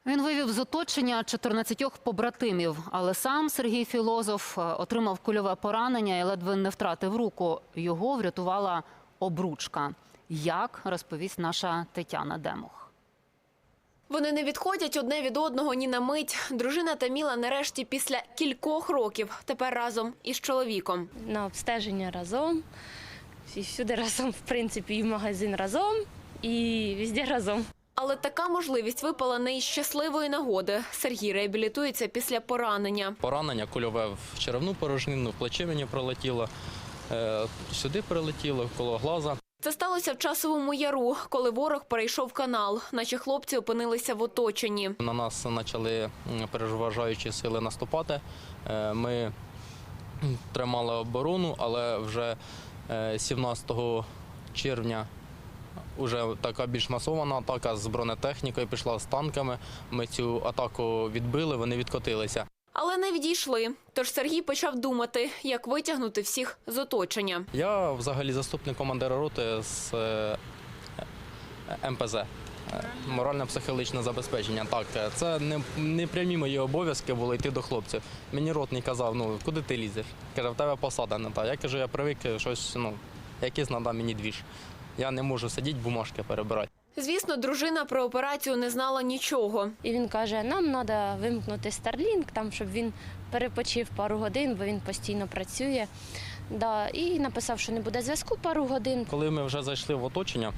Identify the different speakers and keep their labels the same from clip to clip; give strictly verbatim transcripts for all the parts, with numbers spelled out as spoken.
Speaker 1: Він вивів з оточення чотирнадцятьох побратимів, але сам Сергій Філозоф отримав кульове поранення і ледве не втратив руку. Його врятувала обручка. Як, розповість наша Тетяна Демух.
Speaker 2: Вони не відходять одне від одного ні на мить. Дружина Таміла нарешті після кількох років тепер разом із чоловіком.
Speaker 3: На обстеження разом, і всюди разом, в принципі, і в магазин разом, і везде разом.
Speaker 2: Але така можливість випала не із щасливої нагоди. Сергій реабілітується після поранення.
Speaker 4: Поранення кульове в черевну порожнину, в плече мені пролетіло, е, сюди прилетіло, коло глаза.
Speaker 2: Це сталося в Часовому Яру, коли ворог перейшов канал. Наші хлопці опинилися в оточенні.
Speaker 4: На нас почали переважаючі сили наступати. Е, Ми тримали оборону, але вже е, сімнадцятого червня вже така більш масована атака з бронетехнікою пішла, з танками. Ми цю атаку відбили, вони відкотилися.
Speaker 2: Але не відійшли. Тож Сергій почав думати, як витягнути всіх з оточення.
Speaker 4: Я взагалі заступник командира роти з е, ем пе зет. Морально-психологічне забезпечення. Так, це не, не прямі мої обов'язки були йти до хлопців. Мені ротний казав, ну куди ти лізеш? Каже, в тебе посада не та. Я кажу, я привик щось, ну, якийсь надав мені двіж. Я не можу сидіти, бумажки перебирати.
Speaker 2: Звісно, дружина про операцію не знала нічого.
Speaker 3: І він каже, нам треба вимкнути Starlink, там, щоб він перепочив пару годин, бо він постійно працює. Да, і написав, що не буде зв'язку пару годин.
Speaker 4: Коли ми вже зайшли в оточення,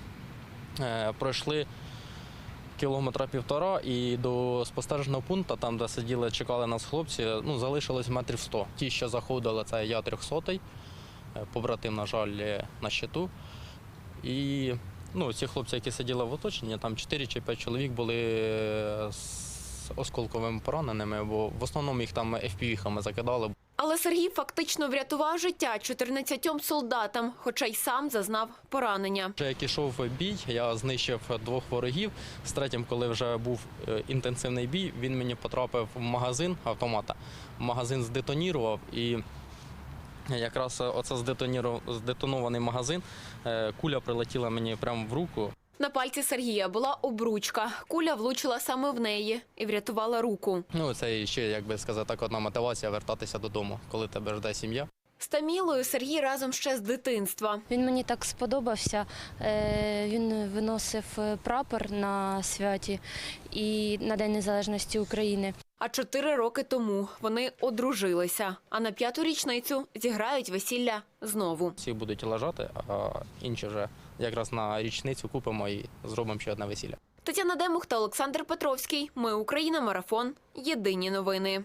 Speaker 4: е, пройшли кілометра півтора і до спостережного пункту, там, де сиділи, чекали нас хлопці, ну, залишилось метрів сто. Ті, що заходили, це я трьохсотий, побратим, на жаль, на щиту. І ну, ці хлопці, які сиділи в оточенні, там чотири чи п'ять чоловік були з осколковими пораненими, бо в основному їх там еф пі ві-хами закидали.
Speaker 2: Але Сергій фактично врятував життя чотирнадцятьом солдатам, хоча й сам зазнав поранення.
Speaker 4: Вже як ішов бій, я знищив двох ворогів. З третім, коли вже був інтенсивний бій, він мені потрапив в магазин автомата. Магазин здетонірував і якраз оце здетонований магазин, куля прилетіла мені прямо в руку.
Speaker 2: На пальці Сергія була обручка. Куля влучила саме в неї і врятувала руку.
Speaker 4: Ну, це ще, як би сказати, так, одна мотивація вертатися додому, коли тебе жде сім'я.
Speaker 2: З Тамілою Сергій разом ще з дитинства.
Speaker 3: Він мені так сподобався. Е, Він виносив прапор на святі і на День Незалежності України.
Speaker 2: А чотири роки тому вони одружилися. А на п'яту річницю зіграють весілля знову.
Speaker 4: Всі будуть лежати, а інші вже якраз на річницю купимо і зробимо ще одне весілля.
Speaker 2: Тетяна Демух та Олександр Петровський. Ми Україна. Марафон. Єдині новини.